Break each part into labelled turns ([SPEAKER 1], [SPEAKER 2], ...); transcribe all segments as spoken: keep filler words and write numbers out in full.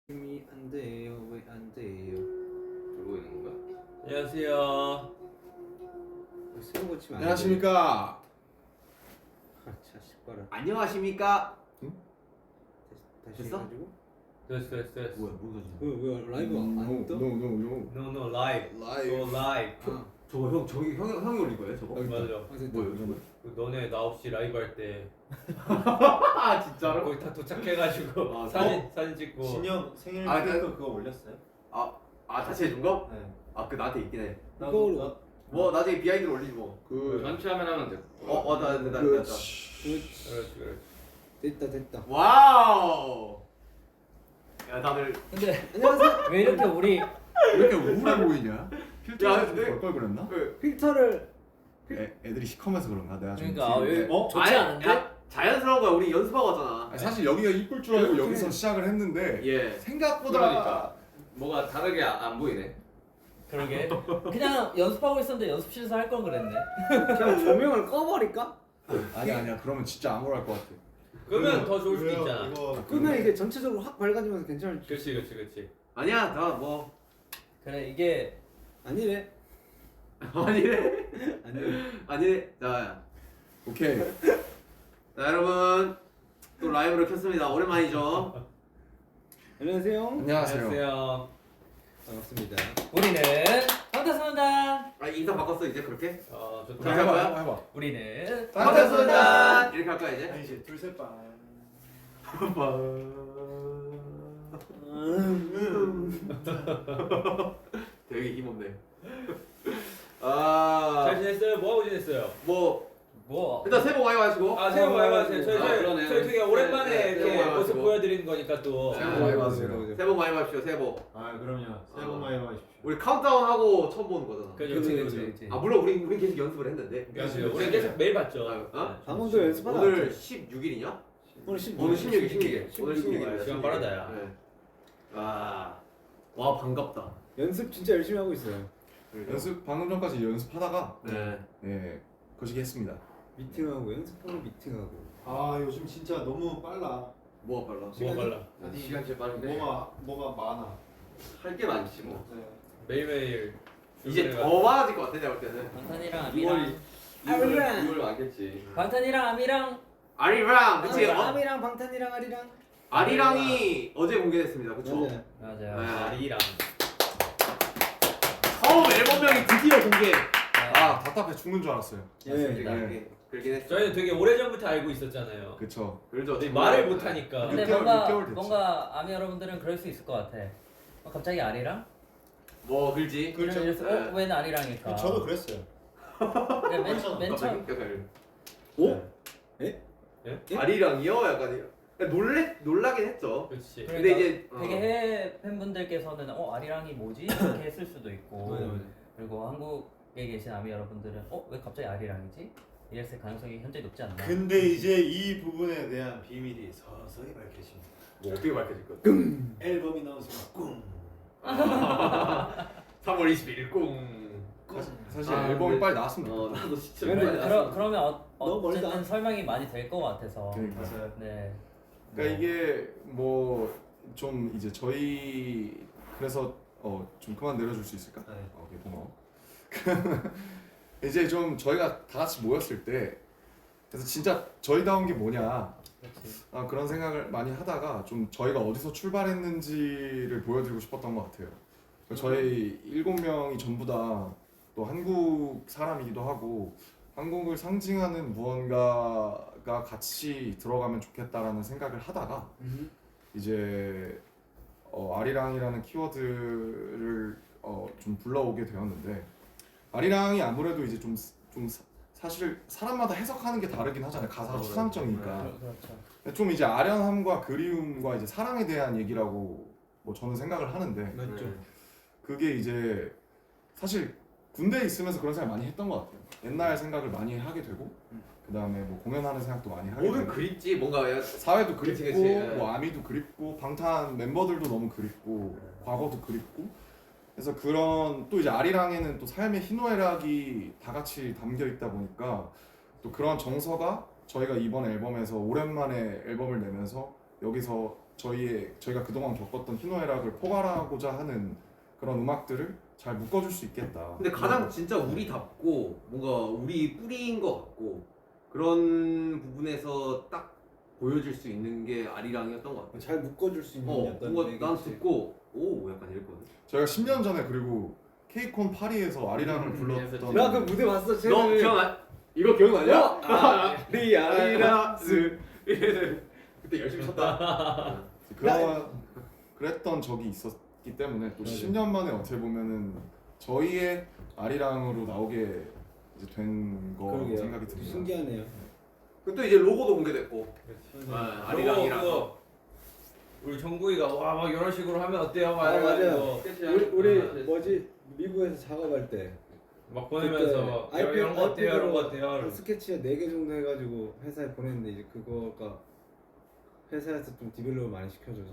[SPEAKER 1] 힘이 안 돼요. 왜 안 돼요?
[SPEAKER 2] 그러고 있는 거야?
[SPEAKER 3] 안녕하세요.
[SPEAKER 1] 새우 고치면 안
[SPEAKER 4] 안녕하십니까.
[SPEAKER 1] 돼. 아, 자식 봐라.
[SPEAKER 2] 안녕하십니까?
[SPEAKER 1] 다시
[SPEAKER 2] 됐어?
[SPEAKER 1] 해가지고.
[SPEAKER 3] 됐어 됐어 됐어.
[SPEAKER 2] 뭐야 뭔 소리야?
[SPEAKER 1] 왜, 왜 라이브가 안
[SPEAKER 4] 노,
[SPEAKER 1] 떠?
[SPEAKER 4] 노, 노, 노.
[SPEAKER 3] No no live.
[SPEAKER 4] Live.
[SPEAKER 3] So live.
[SPEAKER 1] 아,
[SPEAKER 2] 저거 형 저기 형 형이 올린 거예요 저거?
[SPEAKER 4] 여기 있다.
[SPEAKER 3] 맞아.
[SPEAKER 1] 아, 됐다.
[SPEAKER 2] 뭐야 이거?
[SPEAKER 3] 그 너네 나 없이 라이브 할 때
[SPEAKER 2] 아 진짜로?
[SPEAKER 3] 거기 다 도착해가지고
[SPEAKER 2] 아,
[SPEAKER 3] 사진 사진 찍고.
[SPEAKER 5] 진영 생일
[SPEAKER 2] 아,
[SPEAKER 5] 케이크
[SPEAKER 2] 나-
[SPEAKER 5] 그거 올렸어요?
[SPEAKER 2] 아 다시 해준 거?
[SPEAKER 5] 네.
[SPEAKER 2] 아 그 나한테 있긴 해.
[SPEAKER 1] 이거로.
[SPEAKER 2] 뭐 나중에 비하인드를 올리지 뭐.
[SPEAKER 4] 그
[SPEAKER 6] 전체화면 하면 돼.
[SPEAKER 2] 어, 어, 나, 나, 나, 나,
[SPEAKER 4] 그
[SPEAKER 2] 나.
[SPEAKER 1] 그렇지.
[SPEAKER 3] 그렇지 그렇지.
[SPEAKER 1] 됐다, 됐다.
[SPEAKER 2] 와우. 야 다들.
[SPEAKER 7] 근데
[SPEAKER 1] 안녕하세요.
[SPEAKER 7] 왜 이렇게 우리
[SPEAKER 4] 왜 이렇게 우울해 보이냐?
[SPEAKER 2] 야,
[SPEAKER 4] 필터가 좀
[SPEAKER 2] 네.
[SPEAKER 4] 걸걸 그랬나?
[SPEAKER 2] 그
[SPEAKER 1] 필터를
[SPEAKER 4] 애, 애들이 시커면서 그런가? 내가 좀
[SPEAKER 7] 그러니까
[SPEAKER 4] 뒤에-
[SPEAKER 7] 여기
[SPEAKER 2] 어?
[SPEAKER 7] 좋지
[SPEAKER 2] 아니,
[SPEAKER 7] 않은데?
[SPEAKER 2] 야, 자연스러운 거야. 우리 연습하고 왔잖아.
[SPEAKER 4] 아니, 사실 여기가 이쁠 줄 알고 여기서 시작을 했는데
[SPEAKER 2] 예.
[SPEAKER 4] 생각보다
[SPEAKER 6] 그러니까. 뭐가 다르게 아- 안 보이네.
[SPEAKER 7] 그러게 그냥 연습하고 있었는데 연습실에서 할 걸 그랬네.
[SPEAKER 1] 그냥 조명을 꺼버릴까?
[SPEAKER 4] 아니야 아니야 그러면 진짜 암울할 것 같아.
[SPEAKER 3] 끄면 더 좋을 수도
[SPEAKER 5] 왜요?
[SPEAKER 3] 있잖아.
[SPEAKER 5] 이거
[SPEAKER 1] 끄면 이게 전체적으로 확 밝아지면서 괜찮을지.
[SPEAKER 3] 그렇지 그렇지 그렇지.
[SPEAKER 2] 아니야 나 뭐.
[SPEAKER 7] 그래 이게
[SPEAKER 1] 아니래.
[SPEAKER 2] 아니래.
[SPEAKER 1] 아니래.
[SPEAKER 2] 아니래. 자,
[SPEAKER 4] 오케이.
[SPEAKER 2] 자 여러분 또 라이브를 켰습니다. 오랜만이죠.
[SPEAKER 1] 안녕하세요.
[SPEAKER 4] 안녕하세요.
[SPEAKER 3] 안녕하세요.
[SPEAKER 1] 반갑습니다.
[SPEAKER 7] 우리는 방탄소년단
[SPEAKER 2] 아 인사 바꿨어 이제 그렇게?
[SPEAKER 3] 어
[SPEAKER 4] 자,
[SPEAKER 3] 좋다.
[SPEAKER 4] 해봐 해봐 해봐.
[SPEAKER 7] 우리는
[SPEAKER 2] 반갑습니다. 이렇게 할까 이제?
[SPEAKER 5] 아니지 둘셋 반.
[SPEAKER 2] 되게 힘없네. 아,
[SPEAKER 3] 잘 지냈어요? 뭐 하고 지냈어요?
[SPEAKER 2] 뭐
[SPEAKER 7] 뭐
[SPEAKER 2] 일단 새해 복 많이 받으시고.
[SPEAKER 3] 아 새해 복 많이 받으세요. 저희
[SPEAKER 6] 아,
[SPEAKER 3] 저희
[SPEAKER 6] 그러네.
[SPEAKER 3] 저희 되게 오랜만에
[SPEAKER 2] 네, 네, 새해 복
[SPEAKER 3] 이렇게
[SPEAKER 2] 많이
[SPEAKER 3] 모습
[SPEAKER 2] 받으시고.
[SPEAKER 3] 보여드리는 거니까 또.
[SPEAKER 4] 새해 복 많이 받으세요.
[SPEAKER 2] 새해 복 많이 받으십시오. 새해 복.
[SPEAKER 5] 아 그럼요. 새해 복 많이 받으십시오.
[SPEAKER 2] 우리 카운트다운 하고 처음 보는 거잖아.
[SPEAKER 3] 그죠
[SPEAKER 1] 그치,
[SPEAKER 3] 그죠
[SPEAKER 1] 그치,
[SPEAKER 3] 그죠.
[SPEAKER 1] 그치.
[SPEAKER 2] 아 물론 우리 우리 계속 연습을 했는데.
[SPEAKER 3] 그죠. 우리 계속 매일 봤죠.
[SPEAKER 2] 아, 어?
[SPEAKER 1] 방금도 연습하다.
[SPEAKER 2] 오늘 십육 일이냐?
[SPEAKER 1] 오늘 십육.
[SPEAKER 2] 오늘 십육 일, 십육 일. 오늘 십육 일이야.
[SPEAKER 3] 시간 빠르다, 야.
[SPEAKER 2] 네. 아, 와 반갑다.
[SPEAKER 1] 연습 진짜 열심히 하고 있어요.
[SPEAKER 4] 연습 방금 전까지 연습하다가
[SPEAKER 2] 네.
[SPEAKER 4] 예 거시기 했습니다.
[SPEAKER 1] 미팅하고 연습하고 미팅하고.
[SPEAKER 5] 아 요즘 진짜 너무 빨라.
[SPEAKER 2] 뭐가 빨라?
[SPEAKER 3] 뭐 빨라.
[SPEAKER 6] 아니, 시간 진짜 빠른데.
[SPEAKER 5] 뭐가 뭐가 많아.
[SPEAKER 6] 할 게 많지 뭐.
[SPEAKER 5] 네.
[SPEAKER 3] 매일매일
[SPEAKER 2] 이제
[SPEAKER 3] 출근해가지고.
[SPEAKER 2] 더 많아질 것 같아 내가 볼 때는.
[SPEAKER 7] 방탄이랑
[SPEAKER 6] 이월
[SPEAKER 7] 아미랑
[SPEAKER 1] 아미랑.
[SPEAKER 6] 이월 많겠지.
[SPEAKER 7] 방탄이랑 아미랑
[SPEAKER 2] 아리랑 그치?
[SPEAKER 1] 아미랑,
[SPEAKER 2] 어?
[SPEAKER 1] 아미랑 방탄이랑 아리랑.
[SPEAKER 2] 아리랑이 어제 공개됐습니다. 그쵸?
[SPEAKER 1] 맞아요.
[SPEAKER 7] 맞아요.
[SPEAKER 2] 네.
[SPEAKER 3] 아리랑.
[SPEAKER 2] 처음 앨범명이 드디어 공개.
[SPEAKER 4] 아 답답해 죽는 줄 알았어요.
[SPEAKER 1] 예.
[SPEAKER 2] 그러긴 그러긴 했어.
[SPEAKER 3] 저희는 되게 오래 전부터 알고 있었잖아요.
[SPEAKER 4] 그쵸.
[SPEAKER 2] 그렇죠.
[SPEAKER 3] 근데 말을 못 하니까.
[SPEAKER 7] 근데
[SPEAKER 4] 육 개월,
[SPEAKER 7] 뭔가
[SPEAKER 4] 육 개월 됐지.
[SPEAKER 7] 뭔가 아미 여러분들은 그럴 수 있을 것 같아. 어, 갑자기 아리랑?
[SPEAKER 2] 뭐 그렇지.
[SPEAKER 5] 그렇죠.
[SPEAKER 7] 이러면서
[SPEAKER 2] 네.
[SPEAKER 7] 어? 왜 아리랑일까?
[SPEAKER 5] 저도 그랬어요.
[SPEAKER 7] 그래, 맨, 맨
[SPEAKER 2] 갑자기
[SPEAKER 7] 처음
[SPEAKER 2] 약간
[SPEAKER 1] 오?
[SPEAKER 3] 예?
[SPEAKER 2] 아리랑이요? 약간 놀래 놀라긴 했죠.
[SPEAKER 3] 그렇지.
[SPEAKER 2] 근데
[SPEAKER 7] 그러니까
[SPEAKER 2] 이제 어.
[SPEAKER 7] 되게 해외 팬분들께서는 어 아리랑이 뭐지? 이렇게 했을 수도 있고 그리고 한국에 계신 아미 여러분들은 어 왜 갑자기 아리랑이지? 이랬을 가능성이 현재 높지 않나?
[SPEAKER 5] 근데 이제 이 부분에 대한 비밀이 서서히 밝혀집니다.
[SPEAKER 2] 뭐 어떻게 밝혀질 거?
[SPEAKER 5] 앨범이 나온 순간 꿍.
[SPEAKER 2] 삼월 이십일일 꽁.
[SPEAKER 4] 사실
[SPEAKER 6] 아,
[SPEAKER 4] 앨범이
[SPEAKER 6] 근데-
[SPEAKER 4] 빨리 나왔으면
[SPEAKER 6] 어
[SPEAKER 4] 좋겠다.
[SPEAKER 6] 나도 진짜.
[SPEAKER 7] 그러,
[SPEAKER 6] 많이
[SPEAKER 7] 그러,
[SPEAKER 6] 나왔어.
[SPEAKER 7] 그러면 어,
[SPEAKER 1] 너무
[SPEAKER 7] 어쨌든
[SPEAKER 1] 멀다.
[SPEAKER 7] 설명이 많이 될 것 같아서
[SPEAKER 4] 그러니까.
[SPEAKER 5] 맞아요.
[SPEAKER 7] 네.
[SPEAKER 4] 그러니까 이게 뭐 좀 이제 저희 그래서 어 좀 그만 내려줄 수 있을까?
[SPEAKER 5] 네.
[SPEAKER 4] 어, 오케이 고마워. 이제 좀 저희가 다 같이 모였을 때 그래서 진짜 저희다운 게 뭐냐
[SPEAKER 7] 그렇지.
[SPEAKER 4] 아, 그런 생각을 많이 하다가 좀 저희가 어디서 출발했는지를 보여드리고 싶었던 것 같아요. 그러니까 저희 일곱 명이 전부 다 또 한국 사람이기도 하고 한국을 상징하는 무언가가 같이 들어가면 좋겠다라는 생각을 하다가
[SPEAKER 1] 음.
[SPEAKER 4] 이제 어, 아리랑이라는 키워드를 어, 좀 불러오게 되었는데 아리랑이 아무래도 이제 좀, 좀 사, 사실 사람마다 해석하는 게 다르긴 하잖아요. 가사가 추상적이니까.
[SPEAKER 7] 그- 그렇죠.
[SPEAKER 4] 좀 이제 아련함과 그리움과 이제 사랑에 대한 얘기라고 뭐 저는 생각을 하는데
[SPEAKER 1] 맞죠.
[SPEAKER 4] 그게 이제 사실 군대에 있으면서 그런 생각 많이 했던 것 같아요. 옛날 생각을 많이 하게 되고 그 다음에 뭐 공연하는 생각도 많이 하게
[SPEAKER 2] 모든
[SPEAKER 4] 되고
[SPEAKER 2] 그립지 뭔가 야-
[SPEAKER 4] 사회도
[SPEAKER 2] 그치,
[SPEAKER 4] 그립고
[SPEAKER 2] 그치, 예.
[SPEAKER 4] 뭐 아미도 그립고 방탄 멤버들도 너무 그립고 과거도 그립고 그래서 그런 또 이제 아리랑에는 또 삶의 희노애락이 다 같이 담겨 있다 보니까 또 그런 정서가 저희가 이번 앨범에서 오랜만에 앨범을 내면서 여기서 저희의 저희가 그동안 겪었던 희노애락을 포괄하고자 하는 그런 음악들을 잘 묶어줄 수 있겠다.
[SPEAKER 2] 근데 가장 진짜 우리답고 뭔가 우리 뿌리인 것 같고 그런 부분에서 딱 보여줄 수 있는 게 아리랑이었던 것 같아.
[SPEAKER 1] 잘 묶어줄 수 있는
[SPEAKER 2] 어,
[SPEAKER 1] 약간
[SPEAKER 2] 뭔가 난
[SPEAKER 1] 매개체.
[SPEAKER 2] 듣고 오 약간 이랬거든.
[SPEAKER 4] 저희가 십 년 전에 그리고 케이콘 파리에서 아리랑을
[SPEAKER 3] 음,
[SPEAKER 4] 불렀던
[SPEAKER 1] 나 그 무대 봤어.
[SPEAKER 2] 너
[SPEAKER 1] 쟤는
[SPEAKER 2] 기억나? 이거 기억나냐?
[SPEAKER 1] 어? 아, 리아리라스.
[SPEAKER 2] 그때 열심히 쳤다.
[SPEAKER 4] 그런 그랬던 적이 있었기 때문에 또
[SPEAKER 1] 맞아요.
[SPEAKER 4] 십 년 만에 어떻게 보면은 저희의 아리랑으로 나오게 이제 된 거라고
[SPEAKER 1] 그러게요.
[SPEAKER 4] 생각이 듭니다.
[SPEAKER 1] 신기하네요.
[SPEAKER 2] 그때 이제 로고도 공개됐고.
[SPEAKER 1] 네.
[SPEAKER 2] 아,
[SPEAKER 3] 그거
[SPEAKER 2] 아리랑이랑.
[SPEAKER 3] 그거 우리 정국이가 와 막 이런 식으로 하면 어때요? 막
[SPEAKER 1] 아, 맞아요.
[SPEAKER 3] 이러고
[SPEAKER 1] 우리 우리
[SPEAKER 6] 아,
[SPEAKER 1] 뭐지 미국에서 작업할 때
[SPEAKER 3] 막 보내면서
[SPEAKER 1] 그때
[SPEAKER 3] 이런 거 어때요? 이런 거 어때요?
[SPEAKER 1] 한
[SPEAKER 3] 이러면서.
[SPEAKER 1] 스케치 네 개 정도 해가지고 회사에 보냈는데 이제 그거가 회사에서 좀 디벨롭을 많이 시켜줘서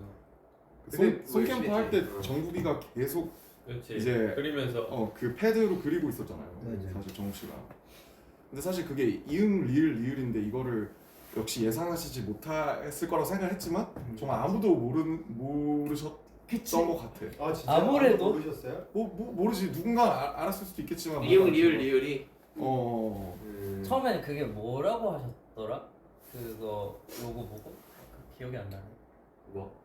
[SPEAKER 2] 근데
[SPEAKER 4] 손, 손캠프 할 때
[SPEAKER 2] 어.
[SPEAKER 4] 정국이가 계속
[SPEAKER 3] 그렇지.
[SPEAKER 4] 이제
[SPEAKER 3] 그리면서
[SPEAKER 4] 어 그 패드로 그리고 있었잖아요.
[SPEAKER 1] 맞아요.
[SPEAKER 4] 사실 정욱 씨가. 근데 사실 그게 이응 리을 리을인데 이거를 역시 예상하시지 못했을 거라고 생각했지만 정말 아무도 모르 모르셨던 것 같아.
[SPEAKER 5] 아 진짜
[SPEAKER 7] 아무래도?
[SPEAKER 5] 아무도 모르셨어요?
[SPEAKER 4] 뭐, 뭐 모르지 누군가 아, 알았을 수도 있겠지만
[SPEAKER 2] 리을
[SPEAKER 4] 뭔가
[SPEAKER 2] 리을
[SPEAKER 4] 좀-
[SPEAKER 2] 리을이.
[SPEAKER 4] 어
[SPEAKER 7] 처음에는 그게 뭐라고 하셨더라? 그거 로고 보고 그 기억이 안 나네.
[SPEAKER 2] 뭐?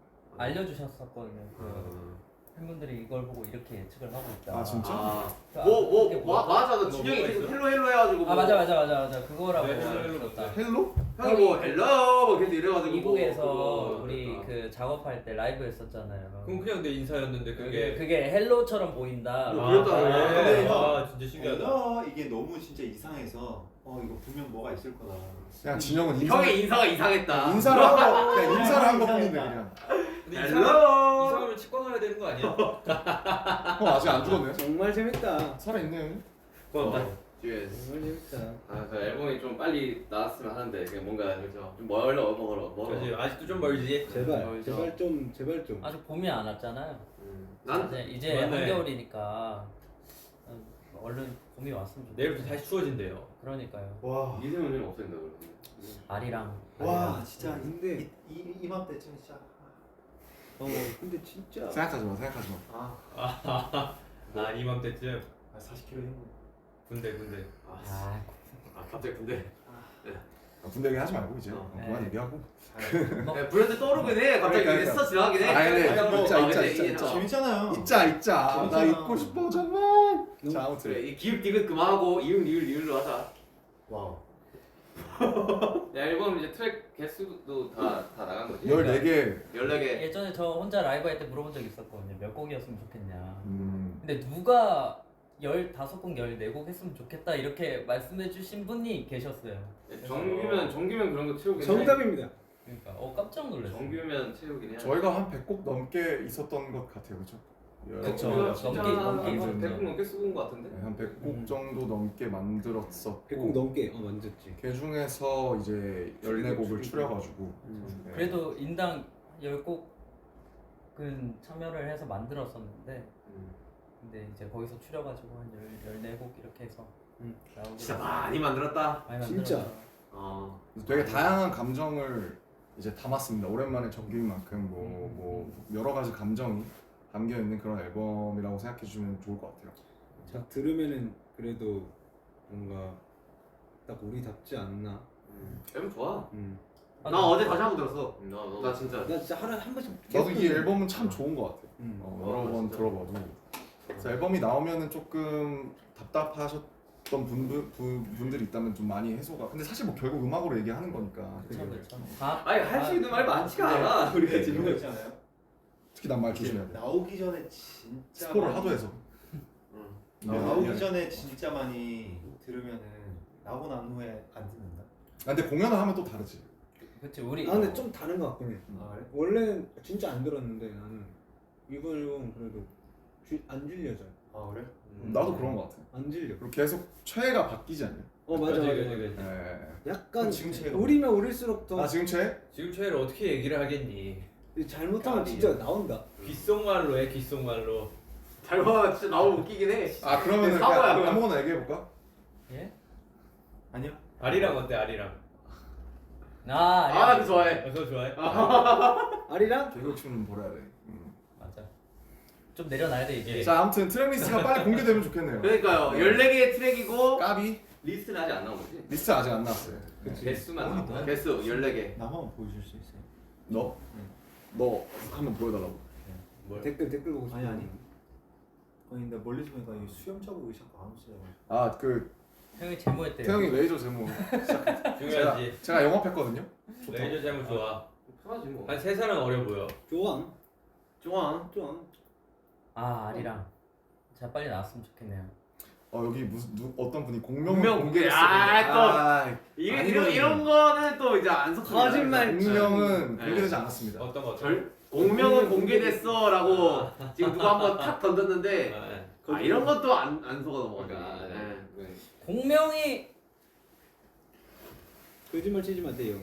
[SPEAKER 7] 알려주셨었거든요. 그
[SPEAKER 2] 어.
[SPEAKER 7] 팬분들이 이걸 보고 이렇게 예측을 하고 있다.
[SPEAKER 4] 아, 진짜?
[SPEAKER 2] 아.
[SPEAKER 7] 그 아-
[SPEAKER 2] 뭐뭐
[SPEAKER 7] 그게
[SPEAKER 2] 뭐,
[SPEAKER 7] 뭐였더라?
[SPEAKER 2] 맞아. 나
[SPEAKER 3] 뭐,
[SPEAKER 2] 준영이
[SPEAKER 3] 뭐가
[SPEAKER 2] 계속
[SPEAKER 3] 있어?
[SPEAKER 2] 헬로 헬로 해가지고.
[SPEAKER 7] 아 맞아 맞아 맞아 맞아 그거라고
[SPEAKER 3] 네, 헬로, 헬로
[SPEAKER 7] 알려줬다.
[SPEAKER 4] 헬로?
[SPEAKER 2] 형이 뭐 헬로 뭐 계속 이래가지고.
[SPEAKER 7] 미국에서
[SPEAKER 2] 뭐 그거
[SPEAKER 7] 우리
[SPEAKER 2] 그랬다.
[SPEAKER 7] 그 작업할 때 라이브 했었잖아요.
[SPEAKER 3] 그럼 그냥 내 인사였는데
[SPEAKER 7] 그게
[SPEAKER 3] 그게
[SPEAKER 7] 그게 헬로처럼 보인다.
[SPEAKER 2] 뭐
[SPEAKER 3] 아,
[SPEAKER 2] 그랬다.
[SPEAKER 3] 그래?
[SPEAKER 5] 근데 형,
[SPEAKER 3] 아 진짜 신기하다.
[SPEAKER 5] 아, 이게 너무 진짜 이상해서 어 이거 분명 뭐가 있을 거다.
[SPEAKER 4] 그냥 진영은 인사,
[SPEAKER 2] 형의 인사가 이상했다.
[SPEAKER 4] 인사를 한 거, 그냥 인사를 한 것뿐인데 그냥.
[SPEAKER 3] 근데
[SPEAKER 2] 헬로.
[SPEAKER 3] 이상하면 이상하면 치과 가야 되는 거 아니야?
[SPEAKER 4] 형 아직 안 죽었네.
[SPEAKER 1] 정말 재밌다.
[SPEAKER 4] 살아있네.
[SPEAKER 3] 고맙다.
[SPEAKER 2] 뒤에.
[SPEAKER 1] 정말 재밌다.
[SPEAKER 6] 아, 저 앨범이 좀 빨리 나왔으면 하는데 그냥 뭔가
[SPEAKER 2] 그렇죠.
[SPEAKER 6] 좀 멀어 멀어 멀어.
[SPEAKER 3] 그렇지. 아직도 좀 멀지.
[SPEAKER 1] 제발
[SPEAKER 2] 어,
[SPEAKER 1] 제발 좀 제발 좀.
[SPEAKER 7] 아직 봄이 안 왔잖아요.
[SPEAKER 2] 음. 난
[SPEAKER 7] 이제 이제
[SPEAKER 3] 맞네.
[SPEAKER 7] 한겨울이니까 음, 얼른 봄이 왔으면 좋겠다.
[SPEAKER 3] 내일부터 다시 추워진대요.
[SPEAKER 7] 그러니까요.
[SPEAKER 5] 와,
[SPEAKER 6] 이세훈 형 없앤다 그러면.
[SPEAKER 7] 아리랑.
[SPEAKER 5] 와 진짜
[SPEAKER 1] 근데
[SPEAKER 5] 이, 이 이맘때쯤 진짜
[SPEAKER 1] 어 근데 진짜
[SPEAKER 4] 생각하지 마, 생각하지 마.
[SPEAKER 5] 아,
[SPEAKER 3] 아 이맘때쯤
[SPEAKER 5] 아 사십 킬로 힘.
[SPEAKER 3] 군대 군대.
[SPEAKER 2] 아,
[SPEAKER 7] 아,
[SPEAKER 2] 아 갑자기 근데
[SPEAKER 4] 아, 군대 얘기 하지 말고 이제
[SPEAKER 2] 어.
[SPEAKER 4] 어, 그만
[SPEAKER 7] 네.
[SPEAKER 4] 얘기하고.
[SPEAKER 2] 야, 브랜드 떠오르긴 해. 갑자기
[SPEAKER 4] 그러니까,
[SPEAKER 2] 스쳐 지나가긴 해.
[SPEAKER 4] 아, 근데
[SPEAKER 2] 일단 뭐,
[SPEAKER 4] 있자,
[SPEAKER 2] 아,
[SPEAKER 4] 있자,
[SPEAKER 2] 근데
[SPEAKER 4] 있자,
[SPEAKER 2] 이게
[SPEAKER 4] 있자.
[SPEAKER 2] 어.
[SPEAKER 5] 재밌잖아요.
[SPEAKER 4] 있자, 있자. 나
[SPEAKER 5] 재밌잖아.
[SPEAKER 4] 잊고 싶어 정말. 자 아무튼
[SPEAKER 2] 그래 이 기획 디귿 그만하고 이응 리을 리을로 하자.
[SPEAKER 5] 와우.
[SPEAKER 6] 야 앨범 이제 트랙 개수도 다 다 나간 거지?
[SPEAKER 4] 열네 개.
[SPEAKER 2] 열네 개.
[SPEAKER 7] 예전에 저 혼자 라이브 할 때 물어본 적 있었거든요. 몇 곡이었으면 좋겠냐.
[SPEAKER 4] 음.
[SPEAKER 7] 근데 누가 열다섯 곡, 열네 곡 했으면 좋겠다 이렇게 말씀해 주신 분이 계셨어요.
[SPEAKER 6] 정규면 정규면 그런 거 채우긴 해.
[SPEAKER 1] 정답입니다.
[SPEAKER 7] 그러니까 어 깜짝 놀랐어요.
[SPEAKER 6] 정규면 채우긴 해.
[SPEAKER 4] 저희가 한 백 곡 넘게 있었던 것 같아요, 그렇죠?
[SPEAKER 7] 그쵸.
[SPEAKER 6] 정규면 진짜
[SPEAKER 7] 넘게,
[SPEAKER 6] 한
[SPEAKER 7] 넘게
[SPEAKER 6] 한 백 곡
[SPEAKER 7] 있었죠.
[SPEAKER 6] 넘게 쓰고 온 거 같은데?
[SPEAKER 4] 한 백 곡 정도 넘게 만들었었고
[SPEAKER 1] 백 곡 넘게 어 만졌지.
[SPEAKER 4] 그 중에서 이제 열네 곡을 추려가지고 네.
[SPEAKER 7] 그래도 인당 열 곡은 참여를 해서 만들었었는데 근데 이제 거기서 추려가지고 한 열, 열네 곡 이렇게 해서
[SPEAKER 1] 음.
[SPEAKER 7] 나오게
[SPEAKER 2] 진짜
[SPEAKER 7] 됐어요.
[SPEAKER 2] 많이 만들었다.
[SPEAKER 7] 많이
[SPEAKER 1] 진짜.
[SPEAKER 7] 만들었어요.
[SPEAKER 2] 어.
[SPEAKER 4] 되게 다양한 감정을 이제 담았습니다. 오랜만에 정규인 만큼 뭐,
[SPEAKER 7] 음.
[SPEAKER 4] 뭐 여러 가지 감정이 담겨 있는 그런 앨범이라고 생각해 주시면 좋을 것 같아요.
[SPEAKER 1] 자 들으면은 그래도 뭔가 딱 우리답지 않나.
[SPEAKER 6] 앨범 좋아.
[SPEAKER 1] 음.
[SPEAKER 7] 아,
[SPEAKER 2] 나 어제 다시 한번 들었어.
[SPEAKER 6] 나 너.
[SPEAKER 2] 나 진짜.
[SPEAKER 1] 나 진짜 하루에 한 번씩.
[SPEAKER 4] 나도
[SPEAKER 1] 계속
[SPEAKER 4] 이
[SPEAKER 1] 듣는
[SPEAKER 4] 앨범은 참 좋은 것 같아.
[SPEAKER 1] 음.
[SPEAKER 4] 어,
[SPEAKER 2] 어,
[SPEAKER 4] 여러 번
[SPEAKER 2] 진짜.
[SPEAKER 4] 들어봐도 그래서 앨범이 나오면은 조금 답답하셨던 분들 분, 분들이 있다면 좀 많이 해소가. 근데 사실 뭐 결국 음악으로 얘기하는 거니까.
[SPEAKER 7] 그쵸 그쵸. 다
[SPEAKER 6] 아니 할 수 있는 말이 많지가 않아. 우리가
[SPEAKER 5] 이런 거
[SPEAKER 6] 지금.
[SPEAKER 5] 있잖아요.
[SPEAKER 4] 특히 난 말 조심해야
[SPEAKER 5] 이제
[SPEAKER 4] 돼.
[SPEAKER 5] 나오기 전에 진짜
[SPEAKER 4] 스포를
[SPEAKER 5] 많이-
[SPEAKER 4] 하도 해서.
[SPEAKER 2] 응.
[SPEAKER 5] 아,
[SPEAKER 4] 미안해,
[SPEAKER 5] 나오기
[SPEAKER 4] 미안해.
[SPEAKER 5] 전에 진짜 많이 들으면은 나고 난 후에 안 듣는다.
[SPEAKER 4] 아, 근데 공연을 하면 또 다르지.
[SPEAKER 7] 그치 우리
[SPEAKER 1] 아 근데 좀 다른 것 같긴 해.
[SPEAKER 5] 아 그래?
[SPEAKER 1] 원래는 진짜 안 들었는데 나는 이번 앨범 그래도 주, 안 질려져.
[SPEAKER 5] 아 그래?
[SPEAKER 4] 나도 그런 것 같아.
[SPEAKER 1] 안 질려.
[SPEAKER 4] 그리고 계속 최애가 바뀌지 않냐?
[SPEAKER 1] 어 맞아
[SPEAKER 3] 그치,
[SPEAKER 1] 맞아.
[SPEAKER 3] 그치,
[SPEAKER 1] 맞아.
[SPEAKER 3] 그치.
[SPEAKER 4] 예.
[SPEAKER 1] 약간
[SPEAKER 5] 그럼 지금 최애가
[SPEAKER 1] 우리면 우릴수록 더
[SPEAKER 4] 아 지금 최애?
[SPEAKER 3] 지금 최애를 어떻게 얘기를 하겠니?
[SPEAKER 1] 잘못하면
[SPEAKER 3] 까비야.
[SPEAKER 1] 진짜 나온다.
[SPEAKER 3] 귓속말로 해 귓속말로.
[SPEAKER 2] 잘봐 진짜 나오면 웃기긴 해.
[SPEAKER 4] 아 그러면은
[SPEAKER 2] 사과야,
[SPEAKER 4] 그냥
[SPEAKER 2] 그럼.
[SPEAKER 4] 아무거나 얘기해 볼까?
[SPEAKER 7] 예?
[SPEAKER 5] 아니요.
[SPEAKER 3] 아리랑 어때 아리랑?
[SPEAKER 7] 아
[SPEAKER 2] 아,
[SPEAKER 7] 아리랑
[SPEAKER 2] 그 좋아해.
[SPEAKER 3] 그거 좋아해?
[SPEAKER 1] 아리랑?
[SPEAKER 4] 개그춤은 보라 그래. 음.
[SPEAKER 7] 맞아. 좀 내려놔야 돼 이제.
[SPEAKER 4] 자 아무튼 트랙 리스트가 빨리 공개되면 좋겠네요.
[SPEAKER 2] 그러니까요. 열네 개의 트랙이고
[SPEAKER 4] 까비
[SPEAKER 6] 리스트는 아직 안 나온 거지?
[SPEAKER 4] 리스트 아직 안 나왔어요. 네.
[SPEAKER 6] 개수만 나온 거야?
[SPEAKER 2] 개수 열네 개.
[SPEAKER 5] 나만 보여줄 수 있어요?
[SPEAKER 4] 너? 너 한번 보여달라고.
[SPEAKER 1] 댓글 댓글 보고 싶어.
[SPEAKER 5] 아니 아니. 아니 근데 멀리서 보니까 이 수염 자국이 자꾸 안 없어요.
[SPEAKER 4] 아그
[SPEAKER 7] 형이 제모했대.
[SPEAKER 4] 태영이 레이저 제모.
[SPEAKER 3] 중요하지.
[SPEAKER 4] 제가 영업했거든요.
[SPEAKER 3] 레이저 제모 좋아.
[SPEAKER 6] 편하지 뭐.
[SPEAKER 3] 한 세 살은 어려 보여.
[SPEAKER 1] 좋아.
[SPEAKER 2] 좋아.
[SPEAKER 1] 좋아.
[SPEAKER 7] 아 아리랑. 자 빨리 나왔으면 좋겠네요.
[SPEAKER 4] 어 여기 무슨 누, 어떤 분이 공명
[SPEAKER 2] 공명 공개. 아, 또. 이게
[SPEAKER 4] 아니,
[SPEAKER 2] 이런
[SPEAKER 4] 이거는-
[SPEAKER 2] 이런 거는 또 이제 안 섞습니다.
[SPEAKER 1] 거짓말.
[SPEAKER 4] 공명은
[SPEAKER 2] 네.
[SPEAKER 4] 공개되지 않았습니다.
[SPEAKER 3] 어떤 거?
[SPEAKER 2] 절 공명은 공개됐어라고 지금 누가 한번 탁 던졌는데
[SPEAKER 3] 아, 네.
[SPEAKER 2] 아, 이런 것도 안 안 속아 넘어가.
[SPEAKER 6] 그러니까
[SPEAKER 2] 네.
[SPEAKER 6] 네.
[SPEAKER 7] 공명이
[SPEAKER 1] 거짓말 치지 마세요.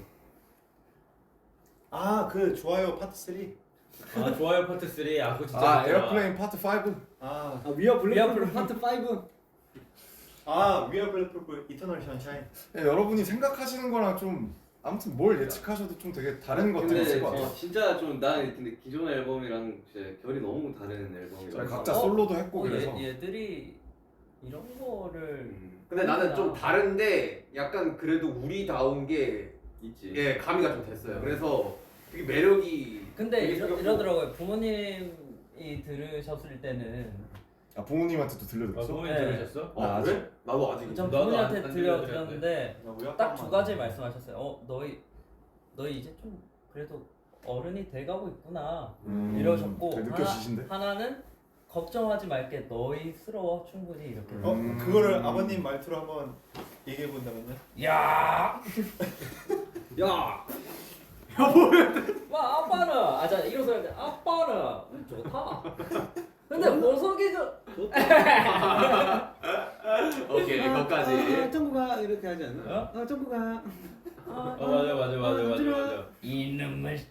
[SPEAKER 5] 아그 좋아요 파트 쓰리.
[SPEAKER 3] 아 좋아요 파트 삼. 아 그거 진짜
[SPEAKER 4] 아
[SPEAKER 3] 좋더라.
[SPEAKER 4] 에어플레인 파트 오.
[SPEAKER 5] 아,
[SPEAKER 1] 아 위아 블랙
[SPEAKER 7] 위아
[SPEAKER 1] 블랙 파트 오.
[SPEAKER 5] 아 위아 블랙풀 이터널 션샤인.
[SPEAKER 4] 예, 여러분이 생각하시는 거랑 좀 아무튼 뭘 예측하셔도 좀 되게 다른 것들이
[SPEAKER 6] 근데
[SPEAKER 4] 있을 것 같아요.
[SPEAKER 6] 어, 진짜 좀 나는 근데 기존 앨범이랑 진짜 결이 너무 다른
[SPEAKER 4] 저희
[SPEAKER 6] 앨범이라서.
[SPEAKER 4] 각자
[SPEAKER 7] 어?
[SPEAKER 4] 솔로도 했고
[SPEAKER 7] 어,
[SPEAKER 4] 그래서
[SPEAKER 7] 얘, 얘들이 이런 거를
[SPEAKER 6] 음,
[SPEAKER 2] 근데 나는 좀 다른데 약간 그래도 우리다운 게
[SPEAKER 6] 있지.
[SPEAKER 2] 예, 가미가 좀 됐어요. 그래서 되게 매력이
[SPEAKER 7] 근데
[SPEAKER 2] 되게
[SPEAKER 7] 이러,
[SPEAKER 2] 생겼고.
[SPEAKER 7] 이러더라고요. 부모님이 들으셨을 때는
[SPEAKER 4] 아 부모님한테도
[SPEAKER 3] 아,
[SPEAKER 4] 들려드렸어?
[SPEAKER 3] 부모님
[SPEAKER 7] 네.
[SPEAKER 3] 들으셨어?
[SPEAKER 2] 어,
[SPEAKER 4] 아,
[SPEAKER 2] 그래? 나도 아직
[SPEAKER 7] 전
[SPEAKER 3] 나도
[SPEAKER 7] 부모님한테
[SPEAKER 3] 안- 안
[SPEAKER 7] 들려
[SPEAKER 3] 들려드렸는데.
[SPEAKER 7] 드렸는데
[SPEAKER 5] 나 우리
[SPEAKER 7] 딱 두
[SPEAKER 5] 아빠만
[SPEAKER 7] 가지
[SPEAKER 5] 알아.
[SPEAKER 7] 말씀하셨어요. 어 너희 너희 이제 좀 그래도 어른이 돼가고 있구나
[SPEAKER 4] 음,
[SPEAKER 7] 이러셨고
[SPEAKER 4] 되게
[SPEAKER 7] 하나,
[SPEAKER 4] 느껴지신데?
[SPEAKER 7] 하나는 걱정하지 말게 너희스러워 충분히 이렇게.
[SPEAKER 5] 어
[SPEAKER 4] 음.
[SPEAKER 5] 그거를 아버님 말투로 한번 얘기해 본다면요?
[SPEAKER 7] 야,
[SPEAKER 1] 야.
[SPEAKER 7] 와 아빠는 아자 이런 소리 할때 아빠는 음, 좋다. 근데 보석이 좀
[SPEAKER 2] 오케이
[SPEAKER 1] 아,
[SPEAKER 2] 거기까지.
[SPEAKER 1] 정국아 이렇게 하지 않아?
[SPEAKER 7] 어?
[SPEAKER 1] 아 정국아.
[SPEAKER 7] 아,
[SPEAKER 3] 어 맞아 맞아 맞아 맞아 맞아.
[SPEAKER 7] 이놈을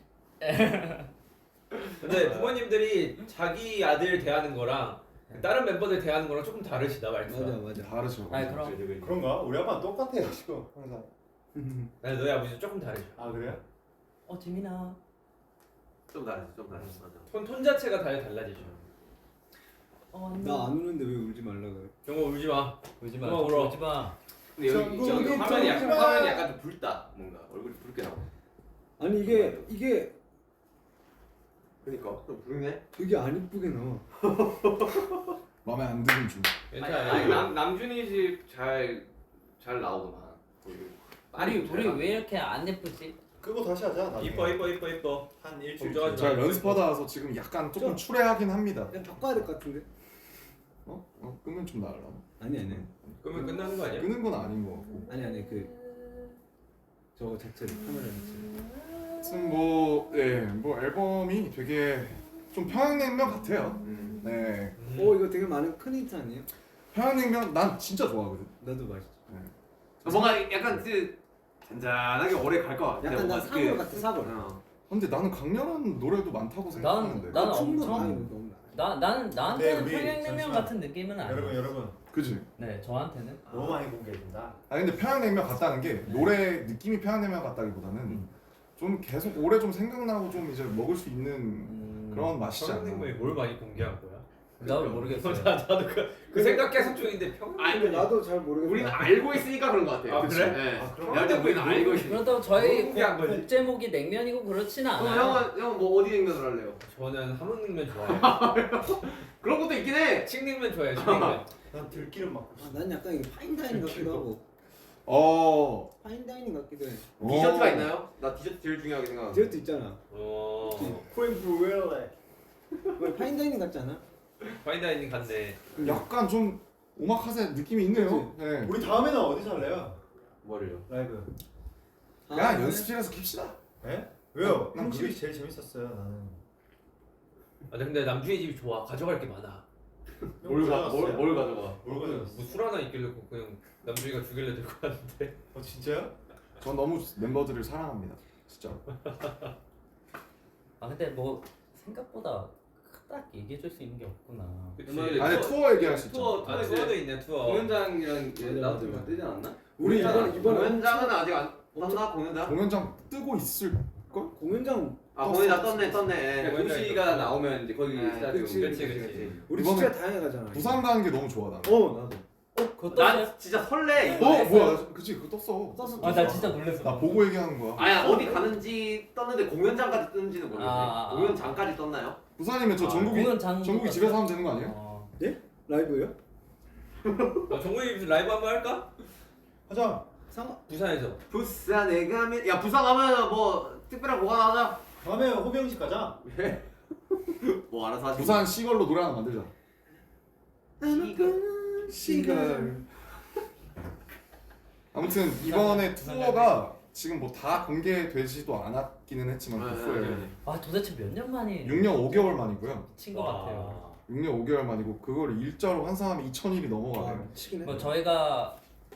[SPEAKER 3] 근데 부모님들이 자기 아들 대하는 거랑 다른 멤버들 대하는 거랑 조금 다르시다 말투가.
[SPEAKER 1] 맞아 맞아.
[SPEAKER 4] 다르죠.
[SPEAKER 7] 아니 그럼
[SPEAKER 5] 그런가? 우리 아빠는 똑같아요 지금 항상.
[SPEAKER 3] 아니 너희 아버지 조금 다르죠.
[SPEAKER 5] 아 그래요?
[SPEAKER 7] 어 지민아
[SPEAKER 2] 좀 다르지, 좀 다르지, 맞아.
[SPEAKER 3] 톤, 톤 자체가 다 달라지죠.
[SPEAKER 7] 어
[SPEAKER 1] 나 안 우는데 왜 울지 말라 그래?
[SPEAKER 3] 정말 울지 마.
[SPEAKER 7] 울지마
[SPEAKER 3] 그만 울어.
[SPEAKER 7] 울지마.
[SPEAKER 6] 근데 여기
[SPEAKER 1] 정국이
[SPEAKER 6] 여기 화면이 약간
[SPEAKER 1] 정국아.
[SPEAKER 6] 화면이 약간 좀 붉다 뭔가 얼굴이 붉게 나와.
[SPEAKER 1] 아니 이게 이게
[SPEAKER 2] 그러니까 좀 부르네.
[SPEAKER 1] 되게 안 이쁘게 나와.
[SPEAKER 4] 마음에 안 드는 중.
[SPEAKER 6] 아니,
[SPEAKER 3] 괜찮아.
[SPEAKER 6] 아니 남 남준이 집 잘 잘 나오더만. 거기.
[SPEAKER 7] 아니
[SPEAKER 6] 잘
[SPEAKER 7] 우리
[SPEAKER 6] 나-
[SPEAKER 7] 왜 이렇게 안 예쁘지?
[SPEAKER 5] 그거 다시 하자. 나중에.
[SPEAKER 3] 이뻐 이뻐 이뻐 이뻐.
[SPEAKER 5] 한 일주일.
[SPEAKER 3] 걱정하지
[SPEAKER 5] 뒤에.
[SPEAKER 4] 제가 연습하다 와서 지금 약간 조금
[SPEAKER 1] 좀-
[SPEAKER 4] 추레하긴 합니다.
[SPEAKER 1] 그냥 바꿔야 될 것 같은데?
[SPEAKER 4] 어? 어 끄면 좀 나으려나?
[SPEAKER 1] 아니 아니
[SPEAKER 3] 그러면 끝나는 거 아니야?
[SPEAKER 4] 끄는 건 아닌 것 같고.
[SPEAKER 1] 아니 아니 그 저거 자체를 카메라 자체.
[SPEAKER 4] 하여튼 뭐, 예, 뭐 앨범이 되게 좀 평양냉면 같아요.
[SPEAKER 2] 음.
[SPEAKER 4] 네,
[SPEAKER 3] 음.
[SPEAKER 1] 오 이거 되게 많은 큰 힌트 아니에요?
[SPEAKER 4] 평양냉면 난 진짜 좋아하거든.
[SPEAKER 1] 나도 맛있어.
[SPEAKER 2] 뭔가 약간 그 잔잔하게 오래 갈 것 같아.
[SPEAKER 1] 약간 나
[SPEAKER 2] 뭔가
[SPEAKER 1] 사골
[SPEAKER 2] 그-
[SPEAKER 1] 같아 사골.
[SPEAKER 2] 어.
[SPEAKER 4] 근데 나는 강렬한 노래도 많다고 생각하는데.
[SPEAKER 7] 나는
[SPEAKER 1] 충분
[SPEAKER 7] 엄청-
[SPEAKER 1] 아니 너무 나.
[SPEAKER 7] 나 나는 나한테는
[SPEAKER 5] 네, 우리
[SPEAKER 7] 평양냉면
[SPEAKER 5] 잠시만.
[SPEAKER 7] 같은 느낌은 아니야.
[SPEAKER 5] 여러분 여러분
[SPEAKER 4] 그지?
[SPEAKER 7] 네 저한테는
[SPEAKER 5] 너무 많이 공개해준다.
[SPEAKER 4] 아 근데 평양냉면 같다는 게 노래 느낌이 평양냉면 같다기보다는
[SPEAKER 7] 음.
[SPEAKER 4] 좀 계속 오래 좀 생각나고 좀 이제 먹을 수 있는
[SPEAKER 7] 음,
[SPEAKER 4] 그런 맛이지 않나.
[SPEAKER 3] 평양냉면이 뭘 많이 공개한 거야?
[SPEAKER 7] 나도 모르겠어요.
[SPEAKER 3] 나, 나도 그, 그 생각 계속 중인데
[SPEAKER 2] 아니,
[SPEAKER 3] 평양냉면
[SPEAKER 1] 근데 나도 잘 모르겠어.
[SPEAKER 2] 우리는 알고 있으니까 그런 것 같아요.
[SPEAKER 3] 아, 그래?
[SPEAKER 2] 네.
[SPEAKER 5] 아, 그럼
[SPEAKER 2] 내가 볼때 우리는 알고 있어.
[SPEAKER 7] 그렇다고 저희
[SPEAKER 3] 너무 공개한
[SPEAKER 7] 곡,
[SPEAKER 3] 거지.
[SPEAKER 7] 곡 제목이 냉면이고 그렇지는
[SPEAKER 2] 그럼
[SPEAKER 7] 않아요.
[SPEAKER 2] 형은 형은 뭐 어디 냉면을 할래요?
[SPEAKER 3] 저는 함흥냉면 좋아해요.
[SPEAKER 2] 그런 것도 있긴 해.
[SPEAKER 3] 칡냉면 좋아해요. 칡냉면.
[SPEAKER 5] 난 들기름 먹고
[SPEAKER 1] 아,
[SPEAKER 5] 싶어.
[SPEAKER 1] 난 약간 이게 파인다이닝 같기도 하고
[SPEAKER 4] 어.
[SPEAKER 1] 파인다이닝 같기도 해.
[SPEAKER 2] 디저트가
[SPEAKER 4] 어.
[SPEAKER 2] 있나요? 나 디저트 제일 중요하게 생각하는.
[SPEAKER 1] 디저트 있잖아.
[SPEAKER 3] 어.
[SPEAKER 5] 크림 브루엘레.
[SPEAKER 1] 왜 파인다이닝 같지 않아?
[SPEAKER 3] 파인다이닝 갔네.
[SPEAKER 4] 약간 좀 오마카세 느낌이 있네요. 네.
[SPEAKER 5] 우리 다음에는 어디서 할래요?
[SPEAKER 2] 뭐를요?
[SPEAKER 5] 라이브.
[SPEAKER 4] 야
[SPEAKER 1] 아,
[SPEAKER 4] 연습실에서 킵시다.
[SPEAKER 5] 예? 왜요?
[SPEAKER 4] 난
[SPEAKER 5] 형 집이
[SPEAKER 4] 그게-
[SPEAKER 5] 제일 재밌었어요 나는.
[SPEAKER 3] 아 근데 남준이 집이 좋아. 가져갈 게 많아.
[SPEAKER 2] 뭘, 가, 뭘,
[SPEAKER 5] 가져갔어요?
[SPEAKER 2] 뭘 가져가?
[SPEAKER 5] 뭘 가져갔어?
[SPEAKER 3] 뭐 술 하나 있길래 그냥 남준이가 주길래 들고 왔는데.
[SPEAKER 5] 어 진짜요?
[SPEAKER 4] 전 너무 멤버들을 사랑합니다. 진짜.
[SPEAKER 7] 아 근데 뭐 생각보다 딱 얘기해줄 수 있는 게 없구나.
[SPEAKER 3] 그치.
[SPEAKER 4] 아니 투어 얘기할 수 있죠.
[SPEAKER 6] 투어
[SPEAKER 3] 아 투어도 있네 투어.
[SPEAKER 6] 공연장이랑
[SPEAKER 1] 맞아,
[SPEAKER 6] 나도
[SPEAKER 1] 맞아.
[SPEAKER 6] 뜨지 않았나?
[SPEAKER 1] 우리 이번 이번
[SPEAKER 2] 공연장은 아직 안. 떴나 공연장?
[SPEAKER 4] 공연장 뜨고 있을 걸?
[SPEAKER 1] 공연장
[SPEAKER 2] 아
[SPEAKER 4] 떴어.
[SPEAKER 2] 공연장 떴네 떴네.
[SPEAKER 6] 그러니까 도시가 나오면 이제 거기
[SPEAKER 2] 네,
[SPEAKER 6] 스타디움.
[SPEAKER 1] 그치,
[SPEAKER 3] 그치 그치.
[SPEAKER 1] 우리
[SPEAKER 4] 이번에
[SPEAKER 1] 진짜 다양하게 가잖아.
[SPEAKER 4] 부산 가는 게 너무 좋아 나는.
[SPEAKER 1] 어 나도.
[SPEAKER 7] 그거 떴어요?
[SPEAKER 2] 난 진짜 설레
[SPEAKER 4] 어
[SPEAKER 2] 이번에.
[SPEAKER 4] 뭐야? 나- 그치 그거 떴어.
[SPEAKER 1] 떴어.
[SPEAKER 7] 아 나 진짜 놀랐어.
[SPEAKER 4] 나 보고 얘기하는 거야.
[SPEAKER 2] 아야 어디 가는지 떴는데 공연장까지 떴는지는 모르겠네.
[SPEAKER 7] 아, 아, 아.
[SPEAKER 2] 공연장까지 떴나요?
[SPEAKER 4] 부산이면 저
[SPEAKER 2] 아,
[SPEAKER 4] 전국이
[SPEAKER 7] 공연장
[SPEAKER 4] 전국이 집에서 하면 되는 거 아니에요?
[SPEAKER 7] 어.
[SPEAKER 1] 라이브예요?
[SPEAKER 3] 아, 정국이 무슨 라이브 한번 할까?
[SPEAKER 5] 하자.
[SPEAKER 1] 상
[SPEAKER 3] 부산에서.
[SPEAKER 2] 부산에 가면 야 부산 가면 뭐 특별한 보관하자.
[SPEAKER 5] 다음에 호병식 가자.
[SPEAKER 2] 뭐 알아서 하시고.
[SPEAKER 4] 부산 시걸로 노래 하나 만들자.
[SPEAKER 2] 시걸.
[SPEAKER 4] 시걸. 아무튼 이번에 투어가 지금 뭐 다 공개되지도 않았기는 했지만
[SPEAKER 2] 네,
[SPEAKER 4] 그
[SPEAKER 2] 네,
[SPEAKER 4] 후에
[SPEAKER 2] 네.
[SPEAKER 7] 아 도대체 몇 년 만에
[SPEAKER 4] 육 년 오 개월 만이고요.
[SPEAKER 7] 미친 것 같아요.
[SPEAKER 4] 육 년 오 개월 만이고 그걸 일자로 환산하면 이천 일이
[SPEAKER 1] 아,
[SPEAKER 4] 넘어가네요.
[SPEAKER 1] 치긴 해.
[SPEAKER 7] 뭐 저희가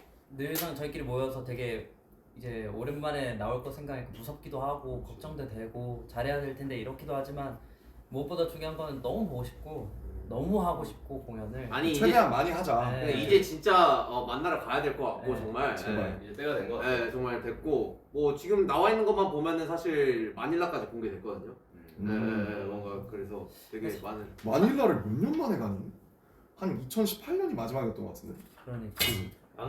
[SPEAKER 7] 늘상 저희끼리 모여서 되게 이제 오랜만에 나올 거 생각하니까 무섭기도 하고 걱정도 되고 잘해야 될 텐데 이렇기도 하지만 무엇보다 중요한 건 너무 보고 싶고 너무 하고 싶고 공연을
[SPEAKER 2] 아니 이제
[SPEAKER 4] 최대한 많이 하자.
[SPEAKER 7] 네.
[SPEAKER 2] 그러니까 이제 진짜 어, 만나러 가야 될 것 같고
[SPEAKER 7] 네.
[SPEAKER 2] 정말.
[SPEAKER 4] 제발.
[SPEAKER 6] 이제 때가 된 거 같아.
[SPEAKER 2] 네, 정말 됐고 뭐 지금 나와 있는 것만 보면은 사실 마닐라까지 공개됐거든요. 네,
[SPEAKER 4] 음.
[SPEAKER 2] 네, 네, 뭔가 그래서 되게 많은.
[SPEAKER 4] 마닐라를 몇 년 만에 가니? 한 이천십팔 년이 마지막이었던 것 같은데.
[SPEAKER 7] 그러니까
[SPEAKER 3] 안